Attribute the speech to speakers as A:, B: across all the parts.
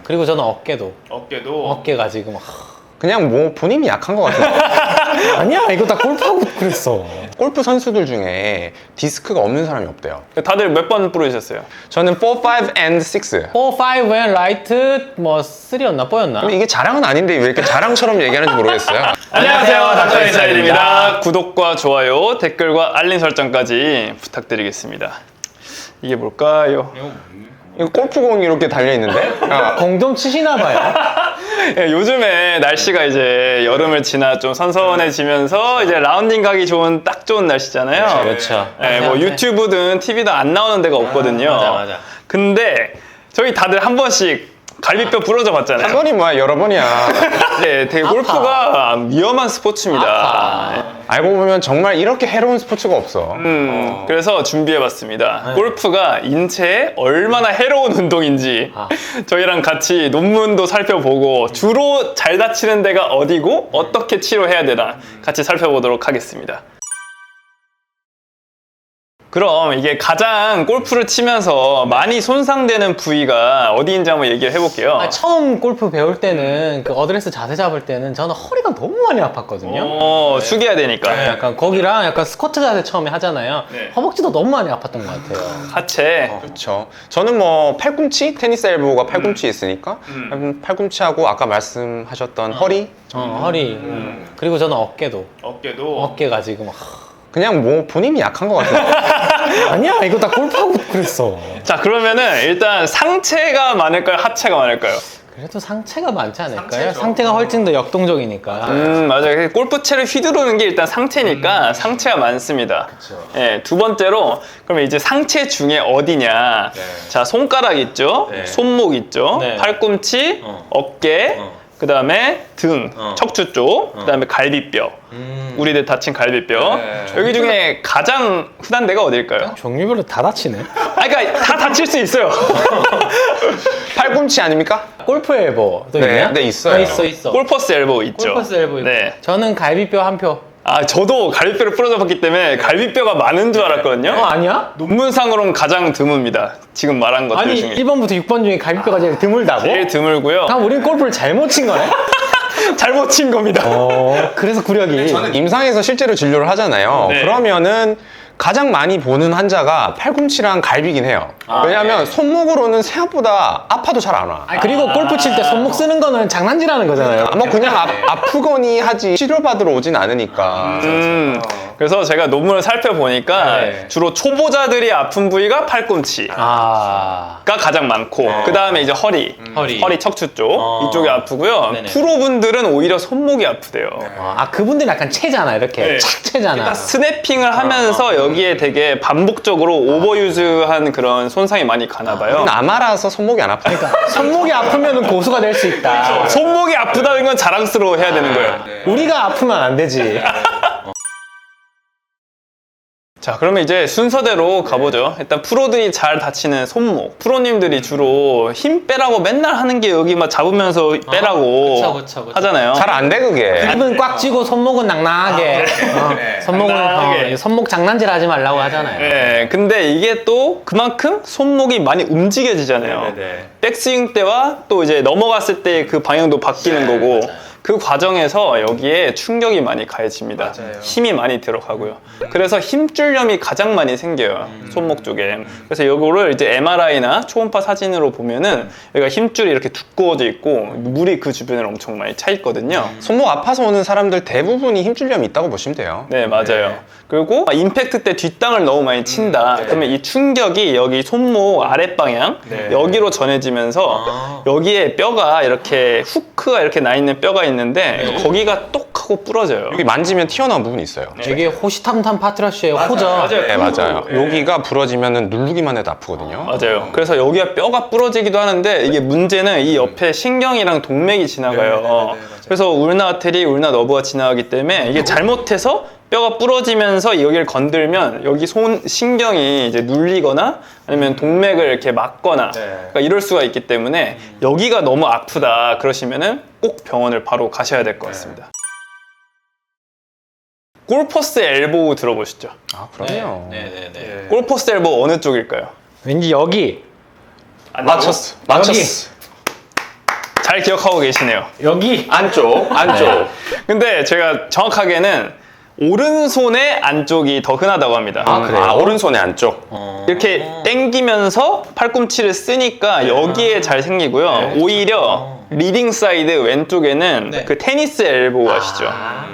A: 그리고 저는 어깨도.
B: 어깨도.
A: 어깨가 지금
C: 그냥 뭐 본인이 약한 것 같아요.
A: 아니야, 이거 다 골프하고 그랬어.
C: 골프 선수들 중에 디스크가 없는 사람이 없대요.
B: 다들 몇 번 부르셨어요?
C: 저는 4, 5, and 6.
A: 4, 5, and right, 뭐 3였나 4였나?
C: 근데 이게 자랑은 아닌데 왜 이렇게 자랑처럼 얘기하는지 모르겠어요.
B: 안녕하세요, 닥터
A: 인사이드입니다.
B: 인사이드입니다. 구독과 좋아요, 댓글과 알림 설정까지 부탁드리겠습니다. 이게 뭘까요?
C: 이거 골프공이 이렇게 달려있는데?
A: 공 좀 치시나 봐요.
B: 예, 요즘에 날씨가 이제 여름을 지나 좀 선선해지면서 이제 라운딩 가기 좋은 딱 좋은 날씨잖아요.
A: 그렇죠.
B: 예, 뭐 유튜브든 TV든 안 나오는 데가 없거든요.
A: 맞아.
B: 근데 저희 다들 한 번씩 갈비뼈 부러져
C: 한
B: 봤잖아요.
C: 번이 뭐야, 여러 번이야.
B: 네, 되게 골프가 위험한 스포츠입니다.
C: 알고 보면 정말 이렇게 해로운 스포츠가 없어.
B: 그래서 준비해봤습니다. 골프가 인체에 얼마나 해로운 운동인지 저희랑 같이 논문도 살펴보고 주로 잘 다치는 데가 어디고 어떻게 치료해야 되나 같이 살펴보도록 하겠습니다. 그럼 이게 가장 골프를 치면서 많이 손상되는 부위가 어디인지 한번 얘기를 해볼게요.
A: 처음 골프 배울 때는 그 어드레스 자세 잡을 때는 저는 허리가 너무 많이 아팠거든요.
B: 숙여야 되니까.
A: 약간 거기랑 약간 스쿼트 자세 처음에 하잖아요.
B: 네.
A: 허벅지도 너무 많이 아팠던 것 같아요.
B: 하체.
C: 그렇죠. 저는 뭐 팔꿈치, 테니스 엘보가 팔꿈치에 있으니까 팔꿈치하고 아까 말씀하셨던 허리,
A: 허리. 그리고 저는 어깨도.
B: 어깨도.
A: 어깨가 지금
C: 그냥 뭐 본인이 약한 것 같아요.
A: 아니야, 이거 다 골프하고 그랬어.
B: 자, 그러면은 일단 상체가 많을까요? 하체가 많을까요?
A: 그래도 상체가 많지 않을까요? 상체가 훨씬 더 역동적이니까.
B: 맞아요. 골프채를 휘두르는 게 일단 상체니까 상체가 많습니다. 예, 두 번째로, 그러면 이제 상체 중에 어디냐. 자, 손가락 있죠? 손목 있죠?
A: 네.
B: 팔꿈치, 어깨, 그 다음에 등, 척추 쪽, 그 다음에 갈비뼈. 우리들 다친 갈비뼈. 여기 중에 가장 흔한 데가 어딜까요?
A: 종류별로 다 다치네.
B: 그러니까 다 다칠 수 있어요.
C: 팔꿈치 아닙니까?
A: 골프 엘보도
C: 네,
A: 있냐?
C: 네, 있어요.
A: 있어.
B: 골퍼스 엘보우 있죠.
A: 골퍼스 엘보 있고.
B: 네.
A: 저는 갈비뼈 한 표.
B: 저도 갈비뼈를 부러져봤기 때문에 갈비뼈가 많은 줄 알았거든요.
A: 아니야?
B: 논문상으로는 가장 드뭅니다. 지금 말한 것들
A: 아니,
B: 중에.
A: 1번부터 6번 중에 갈비뼈가 제일 드물다고?
B: 제일 드물고요.
A: 그럼 우린 골프를 잘못 친 거네?
B: 잘못 친 겁니다.
A: 그래서 구력이.
C: 임상에서 실제로 진료를 하잖아요.
B: 네.
C: 그러면은 가장 많이 보는 환자가 팔꿈치랑 갈비긴 해요. 왜냐하면 손목으로는 생각보다 아파도 잘 안 와.
A: 그리고 골프 칠 때 손목 쓰는 거는 장난질하는 거잖아요.
C: 뭐 그냥 아프거니 하지 치료받으러 오진 않으니까.
B: 그래서 제가 논문을 살펴보니까 주로 초보자들이 아픈 부위가 팔꿈치가 가장 많고 그 다음에 이제 허리 척추 쪽 이쪽이 아프고요.
A: 네네.
B: 프로분들은 오히려 손목이 아프대요.
A: 그분들은 약간 채잖아, 이렇게. 착 채잖아.
B: 스냅핑을 하면서 여기에 되게 반복적으로 오버유즈한 그런 손상이 많이 가나 봐요.
C: 남아라서 손목이 안 아프니까.
A: 그러니까 손목이 아프면 고수가 될 수 있다.
B: 손목이 아프다는 건 자랑스러워 해야 되는 거예요.
A: 우리가 아프면 안 되지.
B: 자, 그러면 이제 순서대로 가보죠. 일단 프로들이 잘 다치는 손목. 프로님들이 주로 힘 빼라고 맨날 하는 게 여기 막 잡으면서 빼라고
A: 그쵸.
B: 하잖아요.
C: 잘 안 돼 그게.
A: 입은 꽉 쥐고 손목은 낭낭하게. 손목은
B: 낭낭하게.
A: 손목 장난질 하지 말라고 하잖아요.
B: 네, 근데 이게 또 그만큼 손목이 많이 움직여지잖아요. 백스윙 때와 또 이제 넘어갔을 때 그 방향도 바뀌는 거고. 그 과정에서 여기에 충격이 많이 가해집니다. 힘이 많이 들어가고요. 그래서 힘줄염이 가장 많이 생겨요. 손목 쪽에. 그래서 이거를 이제 MRI나 초음파 사진으로 보면은 여기가 힘줄이 이렇게 두꺼워져 있고 물이 그 주변에 엄청 많이 차 있거든요.
C: 손목 아파서 오는 사람들 대부분이 힘줄염이 있다고 보시면 돼요.
B: 네, 맞아요. 그리고 임팩트 때 뒷땅을 너무 많이 친다. 그러면 이 충격이 여기 손목 아랫방향 여기로 전해지면서 여기에 뼈가 이렇게 후크가 이렇게 나 있는 뼈가 있는데 거기가 똑 하고 부러져요.
C: 여기 만지면 튀어나온 부분이 있어요.
A: 이게 호시탐탐 파트라시의 호죠.
C: 네, 맞아요. 여기가 부러지면 누르기만 해도 아프거든요.
B: 맞아요. 그래서 여기가 뼈가 부러지기도 하는데 이게 문제는 이 옆에 신경이랑 동맥이 지나가요. 그래서 울나 아테리, 울나 너브가 지나가기 때문에 이게 잘못해서 뼈가 부러지면서 여기를 건들면 여기 신경이 이제 눌리거나 아니면 동맥을 이렇게 막거나 그러니까 이럴 수가 있기 때문에 여기가 너무 아프다 그러시면은 꼭 병원을 바로 가셔야 될 것 같습니다. 골퍼스 엘보우 들어보셨죠?
C: 그럼요.
B: 골퍼스 엘보우 어느 쪽일까요?
A: 왠지 여기.
C: 맞췄어.
A: 여기.
B: 잘 기억하고 계시네요.
A: 여기
C: 안쪽.
B: 근데 제가 정확하게는 오른손의 안쪽이 더 흔하다고 합니다.
A: 그래요?
C: 오른손의 안쪽.
B: 이렇게 당기면서 팔꿈치를 쓰니까 여기에 잘 생기고요. 오히려 리딩 사이드 왼쪽에는
A: 네.
B: 그 테니스 엘보우 아시죠?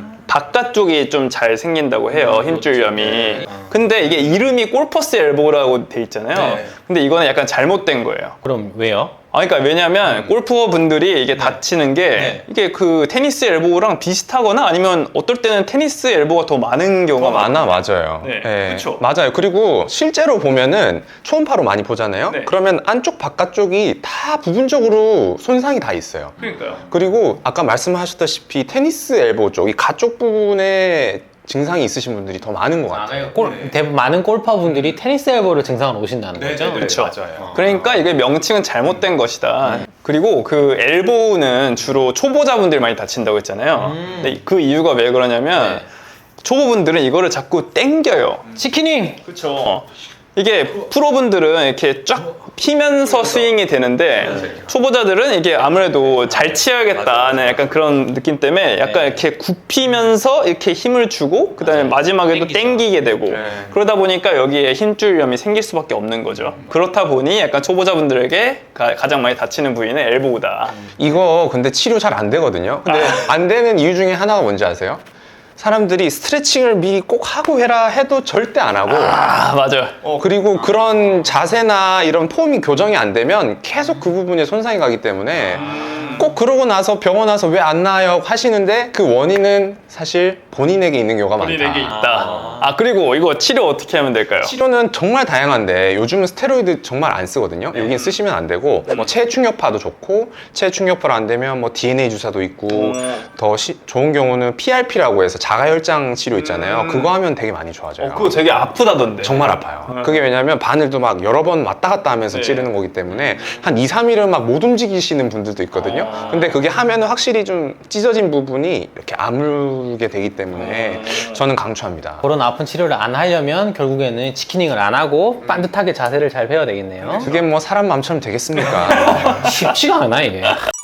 B: 바깥쪽이 좀 잘 생긴다고 해요. 힘줄염이. 근데 이게 이름이 골퍼스 엘보우라고 돼 있잖아요.
A: 네.
B: 근데 이거는 약간 잘못된 거예요.
A: 그럼 왜요?
B: 그러니까 왜냐면 골퍼 분들이 이게 다치는 게
A: 네.
B: 이게 그 테니스 엘보우랑 비슷하거나 아니면 어떨 때는 테니스 엘보우가 더 많은 경우가 많아요.
C: 맞아요.
B: 네, 그쵸.
C: 맞아요. 그리고 실제로 보면은 초음파로 많이 보잖아요.
B: 네.
C: 그러면 안쪽 바깥쪽이 다 부분적으로 손상이 다 있어요.
B: 그러니까요.
C: 그리고 아까 말씀하셨다시피 테니스 엘보 쪽, 이 가쪽 부분에 증상이 있으신 분들이 더 많은 것 같아요.
A: 대부분 많은 골퍼분들이 테니스 엘보를 증상을 오신다는 거죠?
B: 그렇죠.
C: 맞아요.
B: 그러니까 이게 명칭은 잘못된 것이다. 그리고 그 엘보우는 주로 초보자분들이 많이 다친다고 했잖아요. 근데 그 이유가 왜 그러냐면 초보분들은 이거를 자꾸 당겨요.
A: 치키닝!
B: 그렇죠. 이게 프로분들은 이렇게 쫙 피면서 스윙이 되는데 초보자들은 이게 아무래도 잘 치어야겠다는 약간 그런 느낌 때문에 약간 이렇게 굽히면서 이렇게 힘을 주고 그 다음에 마지막에도 당기게 되고 그러다 보니까 여기에 힘줄염이 생길 수밖에 없는 거죠. 그렇다 보니 약간 초보자분들에게 가장 많이 다치는 부위는 엘보우다.
C: 이거 근데 치료 잘 안 되거든요. 근데 안 되는 이유 중에 하나가 뭔지 아세요? 사람들이 스트레칭을 미리 꼭 하고 해라 해도 절대 안 하고
B: 맞아요.
C: 그리고 그런 자세나 이런 폼이 교정이 안 되면 계속 그 부분에 손상이 가기 때문에 꼭 그러고 나서 병원 와서 왜 안 나아요 하시는데 그 원인은 사실 본인에게 있는 경우가 많다.
B: 본인에게 있다. 그리고 이거 치료 어떻게 하면 될까요?
C: 치료는 정말 다양한데 요즘은 스테로이드 정말 안 쓰거든요. 여긴 쓰시면 안 되고 뭐 체충격파도 좋고 체충격파로 안 되면 뭐 DNA 주사도 있고 더 좋은 경우는 PRP라고 해서 자가혈장 치료 있잖아요. 그거 하면 되게 많이 좋아져요.
B: 그거 되게 아프다던데.
C: 정말 아파요. 그게 왜냐면 바늘도 막 여러 번 왔다 갔다 하면서 찌르는 거기 때문에 한 2, 3일은 막 못 움직이시는 분들도 있거든요. 근데 그게 하면은 확실히 좀 찢어진 부분이 이렇게 아물게 되기 때문에 저는 강추합니다.
A: 그런 아픈 치료를 안 하려면 결국에는 치키닝을 안 하고 반듯하게 자세를 잘 배워야 되겠네요.
C: 그게 뭐 사람 마음처럼 되겠습니까?
A: 쉽지가 않아 이게.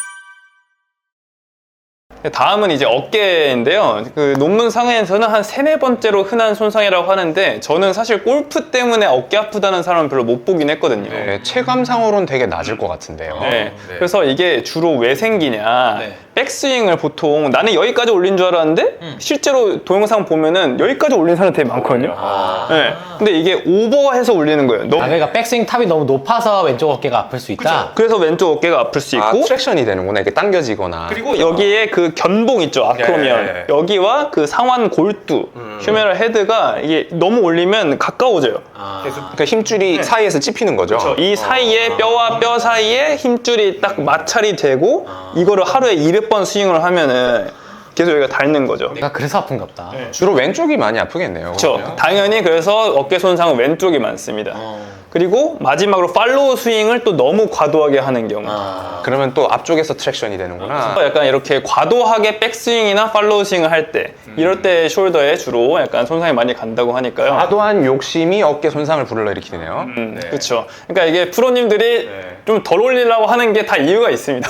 B: 다음은 이제 어깨인데요. 그 논문 상에서는 한 3-4번째로 흔한 손상이라고 하는데 저는 사실 골프 때문에 어깨 아프다는 사람은 별로 못 보긴 했거든요.
C: 네, 체감상으로는 되게 낮을 것 같은데요.
B: 네. 그래서 이게 주로 왜 생기냐.
A: 네.
B: 백스윙을 보통 나는 여기까지 올린 줄 알았는데 실제로 동영상 보면은 여기까지 올린 사람 되게 많거든요. 네. 근데 이게 오버해서 올리는 거예요.
A: 그러니까 백스윙 탑이 너무 높아서 왼쪽 어깨가 아플 수 있다.
B: 그래서 왼쪽 어깨가 아플 수 있고
C: 트랙션이 되는구나. 이렇게 당겨지거나.
B: 그리고 여기에 그 견봉 있죠, 아크로미언. 여기와 그 상완 골두, 휴메럴 헤드가 이게 너무 올리면 가까워져요.
C: 그러니까 힘줄이 사이에서 찝히는 거죠.
B: 이 사이에 뼈와 뼈 사이에 힘줄이 딱 마찰이 되고 이거를 하루에 200번 스윙을 하면은 계속 여기가 닳는 거죠.
A: 내가 그래서 아픈가 보다.
C: 주로 왼쪽이 많이 아프겠네요.
B: 그렇죠. 당연히 그래서 어깨 손상은 왼쪽이 많습니다. 그리고 마지막으로 팔로우 스윙을 또 너무 과도하게 하는 경우.
C: 그러면 또 앞쪽에서 트랙션이 되는구나.
B: 약간 이렇게 과도하게 백스윙이나 팔로우 스윙을 할 때 이럴 때 숄더에 주로 약간 손상이 많이 간다고 하니까요.
C: 과도한 욕심이 어깨 손상을 불러일으키네요.
B: 그렇죠. 그러니까 이게 프로님들이 좀 덜 올리려고 하는 게 다 이유가 있습니다.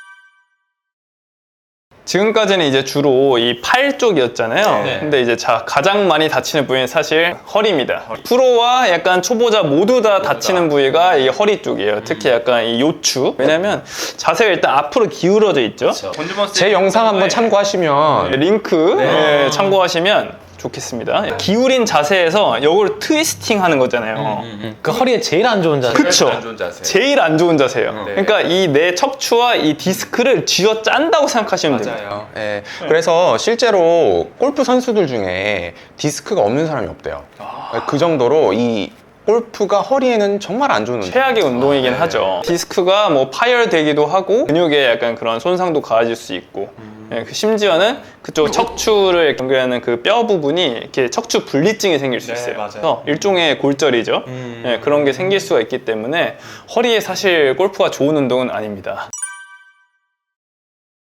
B: 지금까지는 이제 주로 이 팔 쪽이었잖아요. 근데 이제 가장 많이 다치는 부위는 사실 허리입니다. 프로와 약간 초보자 모두 다 다치는 부위가 이 허리 쪽이에요. 특히 약간 이 요추. 왜냐면 자세가 일단 앞으로 기울어져 있죠.
C: 제 영상 한번 참고하시면
B: 링크 참고하시면 좋겠습니다. 기울인 자세에서 이걸 트위스팅 하는 거잖아요.
A: 그 허리에 제일 안 좋은 자세.
B: 그쵸? 제일 안 좋은 자세예요. 그러니까 이 내 척추와 이 디스크를 쥐어 짠다고 생각하시면 됩니다.
C: 예, 그래서 실제로 골프 선수들 중에 디스크가 없는 사람이 없대요. 그 정도로 이 골프가 허리에는 정말 안 좋은 운동.
B: 최악의 운동이긴 하죠. 디스크가 뭐 파열되기도 하고 근육에 약간 그런 손상도 가해질 수 있고 심지어는 그쪽 척추를 연결하는 그 뼈 부분이 이렇게 척추 분리증이 생길 수 있어요. 그래서 일종의 골절이죠. 그런 게 생길 수가 있기 때문에 허리에 사실 골프가 좋은 운동은 아닙니다.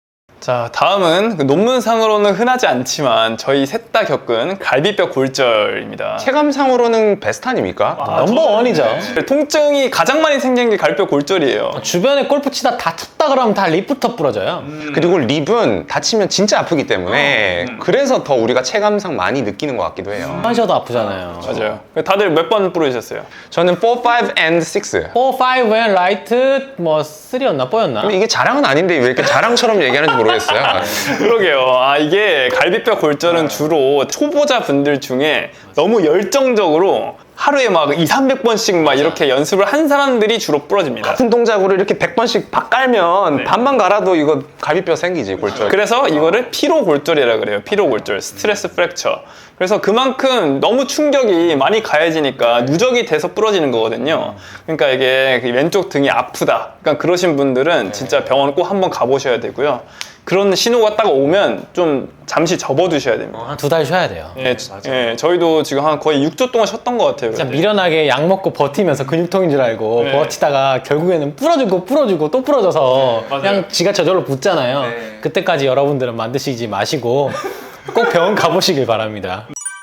B: 자, 다음은 그 논문상으로는 흔하지 않지만 저희 셋 다 겪은 갈비뼈 골절입니다.
C: 체감상으로는 베스트 아닙니까?
A: 넘버 원이죠.
B: 통증이 가장 많이 생기는 게 갈비뼈 골절이에요.
A: 주변에 골프 치다 다쳤다 그러면 다 립부터 부러져요.
C: 그리고 립은 다치면 진짜 아프기 때문에 그래서 더 우리가 체감상 많이 느끼는 것 같기도 해요.
A: 하셔도 아프잖아요.
B: 맞아요. 다들 몇 번 부러지셨어요?
C: 저는 4, 5, and 6.
A: 4, 5, and right, 뭐 3였나 4였나?
C: 근데 이게 자랑은 아닌데 왜 이렇게 자랑처럼 얘기하는지 모르겠어요.
B: 그러게요. 아, 이게 갈비뼈 골절은 주로 초보자 분들 중에 너무 열정적으로 하루에 막 200~300번씩 막 이렇게 연습을 한 사람들이 주로 부러집니다.
C: 같은 동작으로 이렇게 100번씩 박 깔면 반만 갈아도 이거 갈비뼈 생기지, 골절.
B: 그래서 이거를 피로 골절이라 그래요. 피로 골절, 스트레스 프랙처. 그래서 그만큼 너무 충격이 많이 가해지니까 누적이 돼서 부러지는 거거든요. 그러니까 이게 왼쪽 등이 아프다. 그러니까 그러신 분들은 진짜 병원 꼭 한번 가보셔야 되고요. 그런 신호가 딱 오면 좀 잠시 접어두셔야 됩니다.
A: 한 2달 쉬어야 돼요.
B: 예, 저희도 지금 한 거의 6주 동안 쉬었던 것 같아요.
A: 진짜
B: 그때.
A: 미련하게 약 먹고 버티면서 근육통인 줄 알고
B: 네.
A: 버티다가 결국에는 부러지고 또 부러져서 그냥 지가 저절로 붙잖아요. 그때까지 여러분들은 만드시지 마시고 꼭 병원 가보시길 바랍니다.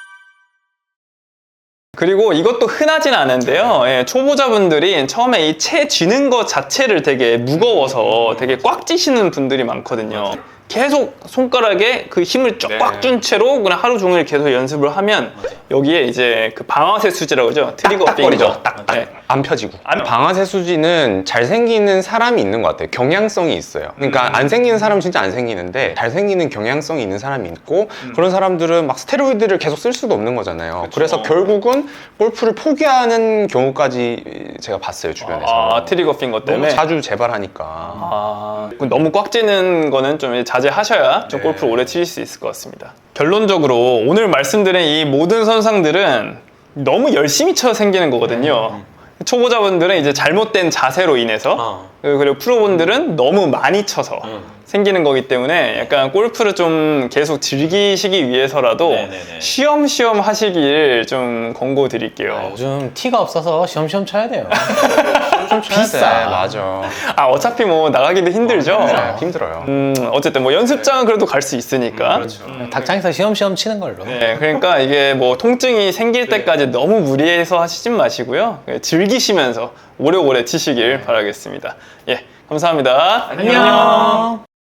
B: 그리고 이것도 흔하진 않은데요. 예, 초보자분들이 처음에 이 채 쥐는 것 자체를 되게 무거워서 되게 꽉 쥐시는 분들이 많거든요. 계속 손가락에 그 힘을 쫙 준 채로 그냥 하루 종일 계속 연습을 하면 여기에 이제 그 방아쇠 수지라고 그러죠. 트리거
C: 딱딱거리죠.
B: 핑거. 네.
C: 안 펴지고. 방아쇠 수지는 잘 생기는 사람이 있는 것 같아요. 경향성이 있어요. 그러니까 안 생기는 사람은 진짜 안 생기는데 잘 생기는 경향성이 있는 사람이 있고 그런 사람들은 막 스테로이드를 계속 쓸 수도 없는 거잖아요. 그래서 결국은 골프를 포기하는 경우까지 제가 봤어요, 주변에서.
B: 아, 트리거 핑거
C: 너무
B: 때문에.
C: 자주 재발하니까.
B: 아, 너무 꽉 찌는 거는 좀 자제하셔야 좀 골프를 오래 치실 수 있을 것 같습니다. 결론적으로 오늘 말씀드린 이 모든 손상들은 너무 열심히 쳐 생기는 거거든요. 초보자분들은 이제 잘못된 자세로 인해서 그리고 프로분들은 너무 많이 쳐서 생기는 거기 때문에 약간 골프를 좀 계속 즐기시기 위해서라도 쉬엄쉬엄 하시길 좀 권고드릴게요.
A: 요즘 티가 없어서 시험시험 쳐야 돼요.
C: 좀
A: 비싸.
C: 맞아.
B: 아, 어차피 뭐 나가기도 힘들죠.
C: 네, 힘들어요.
B: 어쨌든 뭐 연습장은 그래도 갈 수 있으니까.
A: 닭장에서 시험시험 치는 걸로.
B: 네, 그러니까 이게 뭐 통증이 생길 때까지 너무 무리해서 하시진 마시고요. 즐기시면서 오래오래 치시길 바라겠습니다. 예, 감사합니다.
A: 안녕.